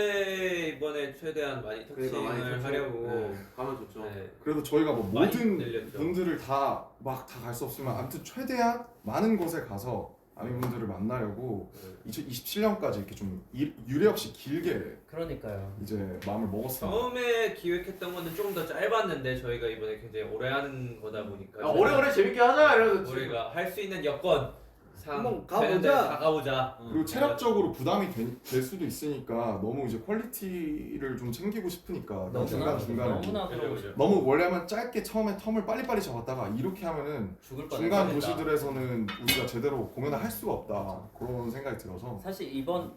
[SPEAKER 3] 간데 이번에 최대한 많이 터칭을
[SPEAKER 2] 그러니까 많이 좋죠.
[SPEAKER 3] 하려고.
[SPEAKER 2] 네, 가면 좋죠.
[SPEAKER 3] 네.
[SPEAKER 4] 그래도 저희가 뭐
[SPEAKER 3] 많이
[SPEAKER 4] 모든
[SPEAKER 3] 늘렸죠.
[SPEAKER 4] 분들을 다 막 다 갈 수 없지만 아무튼 최대한 많은 곳에 가서 아미분들을 만나려고 이천이십칠 년까지 이렇게 좀 일- 유례 없이 길게
[SPEAKER 7] 그러니까요.
[SPEAKER 4] 이제 마음을 먹었어요.
[SPEAKER 3] 처음에 기획했던 거는 조금 더 짧았는데 저희가 이번에 굉장히 오래 하는 거다 보니까
[SPEAKER 2] 야, 오래오래 재밌게 하자 이러면서 지금.
[SPEAKER 3] 우리가 할 수 있는 여건 상
[SPEAKER 1] 한번 가보자.
[SPEAKER 3] 되는데 다 가보자.
[SPEAKER 4] 그리고 체력적으로 부담이 되- 될 수도 있으니까 너무 이제 퀄리티를 좀 챙기고 싶으니까
[SPEAKER 7] 너무나
[SPEAKER 4] 중간 중간에
[SPEAKER 7] 너무나
[SPEAKER 3] 그죠,
[SPEAKER 7] 그러고
[SPEAKER 3] 그죠.
[SPEAKER 7] 싶
[SPEAKER 4] 너무 원래는 짧게 처음에 텀을 빨리빨리 잡았다가 이렇게 하면은
[SPEAKER 7] 죽을 뻔했다.
[SPEAKER 4] 중간 도시들에서는 우리가 제대로 공연을 할 수가 없다 그런 생각이 들어서
[SPEAKER 7] 사실 이번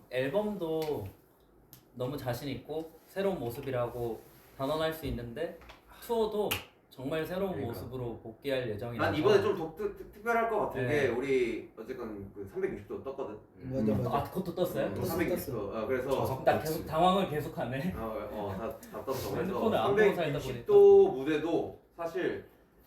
[SPEAKER 7] 앨범도 너무 자신 있고 새로운 모습이라고 단언할 수 있는데 투어도 정말 새로운
[SPEAKER 2] 그러니까.
[SPEAKER 7] 모습으로 복귀할 예정이라서
[SPEAKER 2] 난 이번에 좀 독, 특, 특별할 것 같은
[SPEAKER 7] 네.
[SPEAKER 2] 게 우리 어쨌건 그 삼백육십 도 떴거든.
[SPEAKER 1] 맞아 맞아.
[SPEAKER 7] 아 그것도 떴어요?
[SPEAKER 2] 또
[SPEAKER 1] 떴어,
[SPEAKER 2] 삼백육십 도. 어, 그래서
[SPEAKER 4] 좌석
[SPEAKER 7] 나
[SPEAKER 4] 떴지.
[SPEAKER 7] 계속 당황을 계속하네.
[SPEAKER 2] 어다다 떴어. 그래서
[SPEAKER 7] 핸드폰을 안 보고 살다
[SPEAKER 2] 삼백육십 도 무대도 사실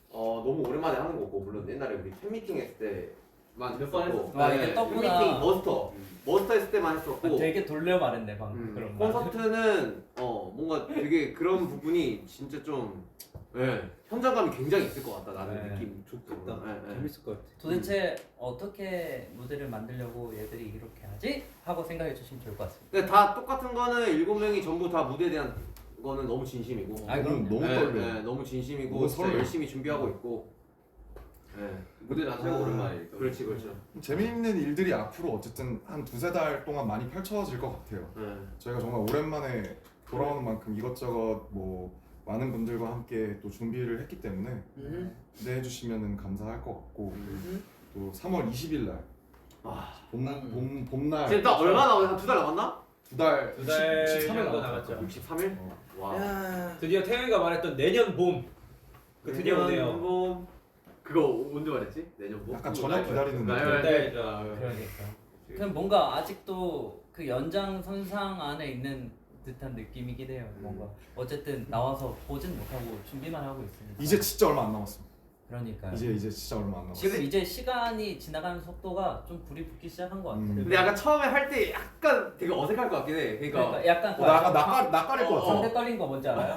[SPEAKER 2] 어 너무 오랜만에 하는 거고 물론 옛날에 우리 팬미팅 했을 때만
[SPEAKER 6] 몇번
[SPEAKER 2] 했었고.
[SPEAKER 7] 했었어. 아, 이게 떴구나.
[SPEAKER 2] 팬미팅 머스터 머스터 했을 때만 했었고.
[SPEAKER 7] 되게 돌려 말했네 방금
[SPEAKER 2] 음,
[SPEAKER 7] 그런 말.
[SPEAKER 2] 콘서트는 어 뭔가 되게 그런 부분이 진짜 좀 예, 현장감이 굉장히 있을 것 같다 나는
[SPEAKER 7] 네.
[SPEAKER 2] 느낌
[SPEAKER 1] 좋겠다.
[SPEAKER 2] 예, 예.
[SPEAKER 1] 재밌을 것 같아.
[SPEAKER 7] 도대체 어떻게 무대를 만들려고 얘들이 이렇게 하지? 하고 생각해 주시면 좋을 것 같습니다.
[SPEAKER 2] 근데 다 똑같은 거는 일곱 명이 전부 다 무대에 대한 거는 너무 진심이고
[SPEAKER 7] 아,
[SPEAKER 4] 너무
[SPEAKER 7] 그럼요.
[SPEAKER 4] 너무
[SPEAKER 2] 예,
[SPEAKER 4] 떨려.
[SPEAKER 2] 예, 너무 진심이고
[SPEAKER 4] 너무
[SPEAKER 2] 진짜
[SPEAKER 4] 설레.
[SPEAKER 2] 열심히 준비하고 있고 예.
[SPEAKER 6] 무대 자체가
[SPEAKER 1] 아,
[SPEAKER 6] 오랜만이니까.
[SPEAKER 2] 그렇지 그렇죠
[SPEAKER 4] 재미있는 일들이 앞으로 어쨌든 한 두세 달 동안 많이 펼쳐질 것 같아요.
[SPEAKER 2] 예.
[SPEAKER 4] 저희가 정말 오랜만에 돌아오는 만큼 이것저것 뭐 많은 분들과 함께 또 준비를 했기 때문에
[SPEAKER 1] 음.
[SPEAKER 4] 기대해 주시면 감사할 것 같고
[SPEAKER 1] 음.
[SPEAKER 4] 또 삼월 이십일 날
[SPEAKER 2] 아,
[SPEAKER 4] 봄,
[SPEAKER 7] 음.
[SPEAKER 4] 봄, 봄날
[SPEAKER 2] 지금 딱 얼마 남았어? 한 두 달 남았나?
[SPEAKER 4] 두달
[SPEAKER 3] 두달 정도 남았죠.
[SPEAKER 2] 육십삼 일?
[SPEAKER 4] 어.
[SPEAKER 2] 와
[SPEAKER 1] 야.
[SPEAKER 3] 드디어 태영이가 말했던 내년 봄. 그 드디어 오네요.
[SPEAKER 2] 봄. 그거 언제 말했지? 내년 봄?
[SPEAKER 4] 약간 저녁 기다리는
[SPEAKER 2] 네,
[SPEAKER 4] 느낌.
[SPEAKER 2] 네.
[SPEAKER 3] 네.
[SPEAKER 2] 아,
[SPEAKER 7] 그러니까. 그냥 뭔가 아직도 그 연장선상 안에 있는 듯한 느낌이긴 해요. 뭔가 어쨌든 나와서 보진 못하고 준비만 하고 있으니까.
[SPEAKER 4] 이제 진짜 얼마 안 남았어.
[SPEAKER 7] 그러니까요.
[SPEAKER 4] 이제 이제 진짜 얼마 안 남았어.
[SPEAKER 7] 지금 이제 시간이 지나가는 속도가 좀 불이 붙기 시작한 것 같아요.
[SPEAKER 4] 음.
[SPEAKER 2] 근데 약간 처음에 할 때 약간 되게 어색할 것 같긴 해 그러니까,
[SPEAKER 7] 그러니까 약간
[SPEAKER 4] 어, 나 약간 낯가 낯가릴 것 같아.
[SPEAKER 7] 상대 떨린 거 뭔지 알아요?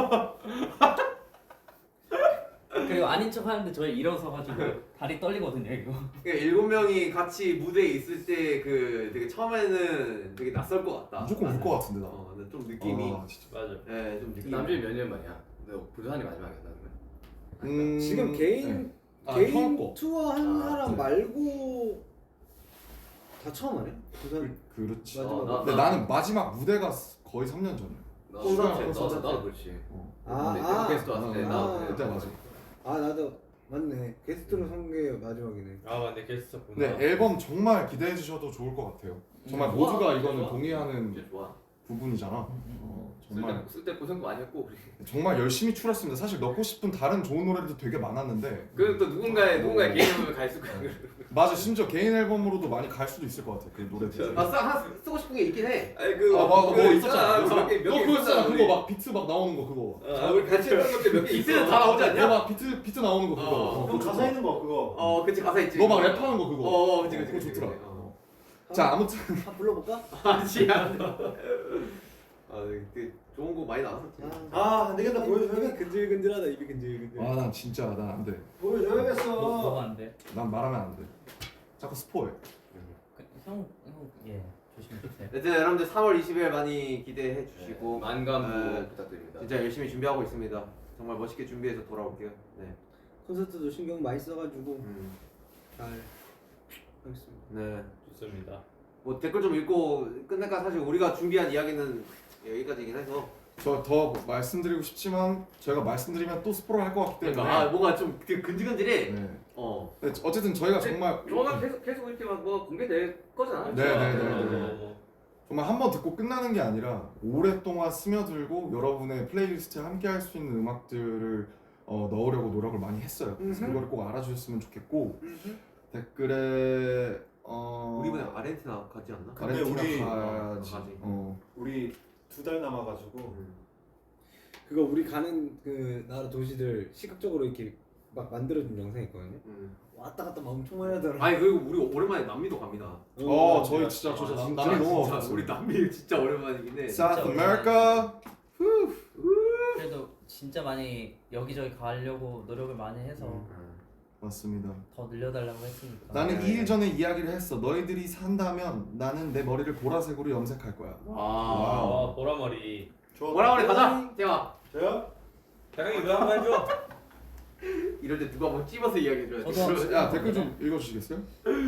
[SPEAKER 7] 그리고 아닌 척 하는데 저희 일어서가지고 다리 떨리거든요 이거.
[SPEAKER 2] 그러니까 일곱 명이 같이 무대에 있을 때 그 되게 처음에는 되게 낯설 것 같다
[SPEAKER 4] 무조건 울 것 같은데 나.
[SPEAKER 2] 어, 근데 좀 느낌이
[SPEAKER 4] 아, 진짜.
[SPEAKER 3] 맞아.
[SPEAKER 2] 예, 좀 느낌이
[SPEAKER 6] 남준이 몇 년 만이야? 너 부산이 마지막이었나 그러면?
[SPEAKER 4] 음,
[SPEAKER 1] 지금 개인
[SPEAKER 4] 네. 아,
[SPEAKER 1] 개인
[SPEAKER 4] 처음 거.
[SPEAKER 1] 투어 한
[SPEAKER 2] 아,
[SPEAKER 1] 사람
[SPEAKER 2] 그래.
[SPEAKER 1] 말고 다 처음 하네. 부산
[SPEAKER 4] 그렇지.
[SPEAKER 1] 마지막.
[SPEAKER 2] 어, 나-
[SPEAKER 4] 근데 나는 마지막 무대가 거의 삼 년 전이야.
[SPEAKER 6] 나
[SPEAKER 2] 콘서트,
[SPEAKER 6] 콘서트
[SPEAKER 2] 콘서트.
[SPEAKER 6] 나도 그렇지.
[SPEAKER 4] 어.
[SPEAKER 1] 아,
[SPEAKER 6] 근데
[SPEAKER 1] 아.
[SPEAKER 6] 게스트 왔을 때
[SPEAKER 4] 아,
[SPEAKER 6] 나
[SPEAKER 1] 아.
[SPEAKER 4] 그때 맞아.
[SPEAKER 1] 아 나도 맞네. 게스트로 선 게 마지막이네.
[SPEAKER 3] 아 맞네 게스트구나.
[SPEAKER 4] 근데 앨범 정말 기대해 주셔도 좋을 것 같아요. 정말
[SPEAKER 7] 음,
[SPEAKER 4] 모두가
[SPEAKER 2] 좋아,
[SPEAKER 4] 이거는
[SPEAKER 2] 좋아.
[SPEAKER 4] 동의하는
[SPEAKER 2] 이제 좋아
[SPEAKER 4] 부분이잖아. 어, 정말
[SPEAKER 6] 쓸때 쓸때 고생도 많이 했고 우리.
[SPEAKER 4] 정말 열심히 출했습니다. 사실 넣고 싶은 다른 좋은 노래도 되게 많았는데
[SPEAKER 6] 그래도 또 누군가의 누군가의 개인 앨범을 갈 수가 있고.
[SPEAKER 4] 맞아, 심지어 개인 앨범으로도 많이 갈 수도 있을 것 같아 그 노래들.
[SPEAKER 2] 아, 쓰, 하나 쓰- 쓰고 싶은 게 있긴 해.
[SPEAKER 6] 아니 그
[SPEAKER 4] 아, 뭐,
[SPEAKER 6] 그
[SPEAKER 4] 뭐 있었잖아.
[SPEAKER 6] 있잖아. 몇 개, 몇
[SPEAKER 4] 너
[SPEAKER 6] 개
[SPEAKER 4] 그거 있잖아.
[SPEAKER 6] 있었잖아,
[SPEAKER 4] 그거 막 비트 막 나오는 거 그거.
[SPEAKER 6] 아, 우리 같이 했던 것들 몇개
[SPEAKER 2] 비트는 다 나오지 않냐?
[SPEAKER 4] 그거 막 비트 비트 나오는 거 그거.
[SPEAKER 2] 어.
[SPEAKER 4] 어,
[SPEAKER 5] 그럼
[SPEAKER 4] 그거
[SPEAKER 5] 가사 있는 거 그거.
[SPEAKER 2] 어, 그치 가사 있지.
[SPEAKER 4] 너 막 랩하는 거 그거.
[SPEAKER 2] 어, 어, 그치 그치
[SPEAKER 4] 그거
[SPEAKER 2] 그치.
[SPEAKER 4] 좋더라.
[SPEAKER 2] 어.
[SPEAKER 4] 자, 아무튼
[SPEAKER 1] 한번 불러볼까?
[SPEAKER 2] 아지야. 아, 그 좋은 거 많이 나왔었지.
[SPEAKER 5] 아, 안 되겠다.
[SPEAKER 1] 입이
[SPEAKER 5] 보여줘야겠다.
[SPEAKER 1] 근질근질하다. 입이 근질근질.
[SPEAKER 4] 아, 난 진짜 난 안 돼.
[SPEAKER 7] 뭐,
[SPEAKER 5] 보여줘야겠어.
[SPEAKER 7] 뭐가 안 돼?
[SPEAKER 4] 난 말하면 안 돼. 자꾸 스포해.
[SPEAKER 7] 그, 형, 형, 예, 조심해 주세요.
[SPEAKER 2] 여튼 여러분들 삼월 이십일 많이 기대해 주시고
[SPEAKER 6] 만감부
[SPEAKER 2] 네.
[SPEAKER 6] 부탁드립니다.
[SPEAKER 2] 진짜 열심히 준비하고 있습니다. 정말 멋있게 준비해서 돌아올게요. 네.
[SPEAKER 1] 콘서트도 신경 많이 써가지고
[SPEAKER 2] 음.
[SPEAKER 1] 잘 하겠습니다.
[SPEAKER 2] 네.
[SPEAKER 3] 좋습니다.
[SPEAKER 2] 뭐 댓글 좀 읽고 끝낼까. 사실 우리가 준비한 이야기는 여기까지긴 해서.
[SPEAKER 4] 저 더 말씀드리고 싶지만 저희가 말씀드리면 또 스포를 할 것 같기 때문에.
[SPEAKER 2] 그러니까 아 뭔가 좀 그- 근질근질해.
[SPEAKER 4] 네.
[SPEAKER 2] 어.
[SPEAKER 4] 네, 어쨌든 저희가 정말
[SPEAKER 6] 조만간 계속 계속 이렇게 막 뭐 공개될 거잖아.
[SPEAKER 4] 네, 네, 네,
[SPEAKER 3] 어,
[SPEAKER 4] 네.
[SPEAKER 3] 어, 어.
[SPEAKER 4] 정말 한 번 듣고 끝나는 게 아니라 오랫동안 스며들고 여러분의 플레이리스트에 함께 할 수 있는 음악들을 어, 넣으려고 노력을 많이 했어요. 그래서
[SPEAKER 2] 음흠.
[SPEAKER 4] 그거를 꼭 알아주셨으면 좋겠고 댓글에 어...
[SPEAKER 2] 우리 이번에 아르헨티나 가지 않나?
[SPEAKER 5] 근데
[SPEAKER 4] 아르헨티나
[SPEAKER 5] 우리-
[SPEAKER 4] 가야지.
[SPEAKER 2] 어, 가지.
[SPEAKER 4] 어.
[SPEAKER 5] 우리 두 달 남아가지고
[SPEAKER 2] 음.
[SPEAKER 1] 그거 우리 가는 그 나라 도시들 시각적으로 이렇게 막 만들어준 영상이 있거든요.
[SPEAKER 2] 음.
[SPEAKER 1] 왔다 갔다 막 엄청 많이 하더라.
[SPEAKER 2] 아니 그리고 우리 오랜만에 남미도 갑니다.
[SPEAKER 4] 어, 저희 진짜 저
[SPEAKER 2] 아,
[SPEAKER 4] 남- 남미 너무
[SPEAKER 2] 진짜
[SPEAKER 4] 와봤어요.
[SPEAKER 2] 우리 남미 진짜 오랜만이긴 해.
[SPEAKER 4] South
[SPEAKER 7] 진짜
[SPEAKER 4] America.
[SPEAKER 7] 그래도 진짜 많이 여기저기 가려고 노력을 많이 해서
[SPEAKER 2] 음.
[SPEAKER 4] 맞습니다.
[SPEAKER 7] 더 늘려달라고 했으니까.
[SPEAKER 4] 나는
[SPEAKER 2] 네.
[SPEAKER 4] 이 일 전에 이야기를 했어. 너희들이 산다면 나는 내 머리를 보라색으로 염색할 거야.
[SPEAKER 2] 와.
[SPEAKER 3] 아, 보라머리.
[SPEAKER 5] 좋아.
[SPEAKER 2] 뭐라 그래 가자. 재영아.
[SPEAKER 5] 저요?
[SPEAKER 3] 대강이 왜 한 번 해줘?
[SPEAKER 2] 이럴 때 누가 뭐 찝어서 이야기해 줘야 돼.
[SPEAKER 7] 저도-
[SPEAKER 4] 야, 댓글 좀 읽어주시겠어요?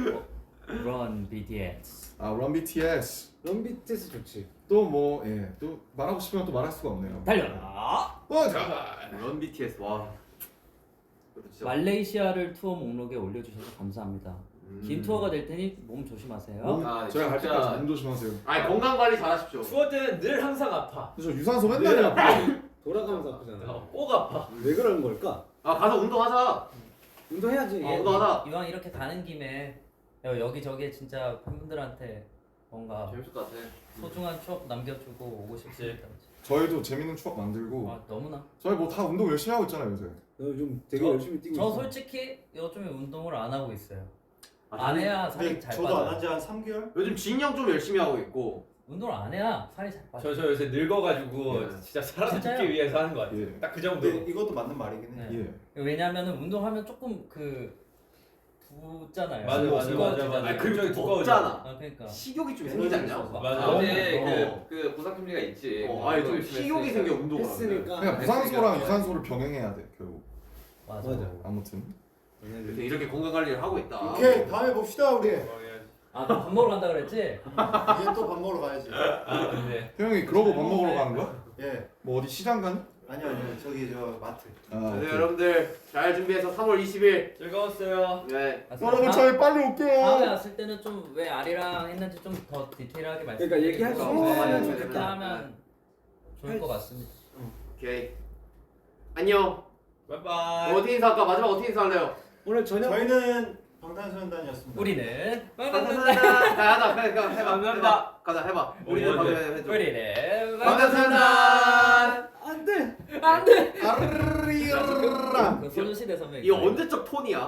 [SPEAKER 7] Run 비티에스.
[SPEAKER 4] 아, Run 비티에스.
[SPEAKER 1] 럼비트스 좋지.
[SPEAKER 4] 또 뭐, 예, 또 말하고 싶으면 또 말할 수가 없네요.
[SPEAKER 7] 달려라.
[SPEAKER 4] 어, 자,
[SPEAKER 2] 런 비티에스 와. 그것도 진짜.
[SPEAKER 7] 말레이시아를 투어 목록에 올려주셔서 감사합니다.
[SPEAKER 2] 음.
[SPEAKER 7] 긴 투어가 될 테니 몸 조심하세요.
[SPEAKER 4] 몸,
[SPEAKER 6] 아,
[SPEAKER 4] 저희 갈
[SPEAKER 6] 진짜.
[SPEAKER 4] 때까지 몸 조심하세요.
[SPEAKER 2] 아니 건강 관리 잘하십시오.
[SPEAKER 3] 투어 때는 늘 항상 아파.
[SPEAKER 4] 저 유산소 맨날 해요.
[SPEAKER 1] 돌아가면서 아프잖아.
[SPEAKER 3] 어, 꼭 아파.
[SPEAKER 1] 왜 그러는 걸까?
[SPEAKER 2] 아 가서 운동하자.
[SPEAKER 1] 운동해야지.
[SPEAKER 2] 어, 운동하자.
[SPEAKER 7] 이왕 이렇게 가는 김에 여기저기 진짜 팬분들한테 뭔가
[SPEAKER 6] 재밌을 것 같아.
[SPEAKER 7] 소중한 추억 남겨주고 오고 싶습니다.
[SPEAKER 4] 저희도 재밌는 추억 만들고.
[SPEAKER 7] 아 너무나.
[SPEAKER 4] 저희 뭐 다 운동 열심히 하고 있잖아요 요새.
[SPEAKER 1] 너 요즘 되게
[SPEAKER 7] 저-
[SPEAKER 1] 열심히 뛰고
[SPEAKER 7] 저
[SPEAKER 1] 있어.
[SPEAKER 7] 솔직히 요즘에 운동을 안 하고 있어요.
[SPEAKER 2] 아,
[SPEAKER 7] 안
[SPEAKER 2] 저는
[SPEAKER 7] 해야 살이
[SPEAKER 5] 근데
[SPEAKER 7] 잘
[SPEAKER 5] 저도 안
[SPEAKER 7] 빠져요.
[SPEAKER 5] 한 지 한 삼 개월?
[SPEAKER 2] 요즘 진영 좀 열심히 하고 있고.
[SPEAKER 7] 운동을 안 해야 살이 잘 빠져.
[SPEAKER 3] 저, 저 요새 늙어가지고
[SPEAKER 2] 예.
[SPEAKER 3] 진짜 살아남기
[SPEAKER 7] 진짜요?
[SPEAKER 3] 위해서 하는 거 같아요.
[SPEAKER 4] 예.
[SPEAKER 3] 딱 그 정도.
[SPEAKER 5] 근데 이것도 맞는 말이긴 해.
[SPEAKER 7] 네.
[SPEAKER 4] 예.
[SPEAKER 7] 왜냐면은 운동하면 조금 그 붓잖아요.
[SPEAKER 3] 맞아, 맞아, 맞아,
[SPEAKER 7] 두꺼워지잖아요.
[SPEAKER 3] 맞아.
[SPEAKER 2] 아니 그리고
[SPEAKER 3] 굉장히
[SPEAKER 2] 두껍잖아.
[SPEAKER 7] 아 그러니까.
[SPEAKER 2] 식욕이 좀 생기지 않냐?
[SPEAKER 3] 맞아.
[SPEAKER 6] 어제
[SPEAKER 2] 어.
[SPEAKER 6] 그, 그 보상심리가 있지.
[SPEAKER 2] 어, 아니 좀
[SPEAKER 6] 열심히
[SPEAKER 2] 식욕이
[SPEAKER 6] 했으니까.
[SPEAKER 2] 생겨 운동을 하면.
[SPEAKER 1] 했으니까.
[SPEAKER 4] 그냥 무산소랑 유산소를 병행해야 돼 결국.
[SPEAKER 7] 맞아.
[SPEAKER 1] 맞아.
[SPEAKER 4] 아무튼.
[SPEAKER 2] 이렇게, 이렇게 건강 관리를 하고 있다.
[SPEAKER 5] 오케이, 다음에 봅시다 우리.
[SPEAKER 7] 아, 너 밥 먹으러 간다 그랬지?
[SPEAKER 5] 이제 또 밥 먹으러 가야지.
[SPEAKER 3] 아 근데
[SPEAKER 4] 태영이 그러고 밥 먹으러 가는 거야?
[SPEAKER 5] 예.
[SPEAKER 4] 뭐 어디 시장 가니?
[SPEAKER 5] 아니요, 아니요. 저기 저 마트.
[SPEAKER 4] 아,
[SPEAKER 2] 네,
[SPEAKER 4] 오케이.
[SPEAKER 2] 여러분들 잘 준비해서 삼월 이십일.
[SPEAKER 3] 즐거웠어요.
[SPEAKER 2] 네.
[SPEAKER 7] 아,
[SPEAKER 4] 여러분
[SPEAKER 7] 다-
[SPEAKER 4] 저희 빨리
[SPEAKER 7] 다음에
[SPEAKER 4] 올게요.
[SPEAKER 7] 왔을 때는 좀 왜 아리랑 했는지 좀 더 디테일하게 말씀.
[SPEAKER 1] 그러니까 얘기할 수
[SPEAKER 2] 있으면
[SPEAKER 7] 그렇게
[SPEAKER 2] 좋겠다.
[SPEAKER 7] 하면 좋을 것 같습니다.
[SPEAKER 2] 오케이. 안녕.
[SPEAKER 3] 바이바이.
[SPEAKER 2] 어떻게 인사할까? 마지막 어떻게 인사할래요?
[SPEAKER 1] 오늘 저녁
[SPEAKER 5] 저희는 방탄소년단이었습니다.
[SPEAKER 7] 우리는
[SPEAKER 2] 방탄소년단. 자, 하자. 그래, 그래, 해봐.
[SPEAKER 3] 감사합니다.
[SPEAKER 2] 해봐. 가자, 해봐. 우리는
[SPEAKER 3] 먼저.
[SPEAKER 2] 방탄소년단 해줘.
[SPEAKER 7] 우리는
[SPEAKER 2] 방탄소년단.
[SPEAKER 1] 안돼.
[SPEAKER 7] 안돼.
[SPEAKER 4] 아르리라.
[SPEAKER 7] 그 소녀시대 선배.
[SPEAKER 2] 이거 언제적 톤이야?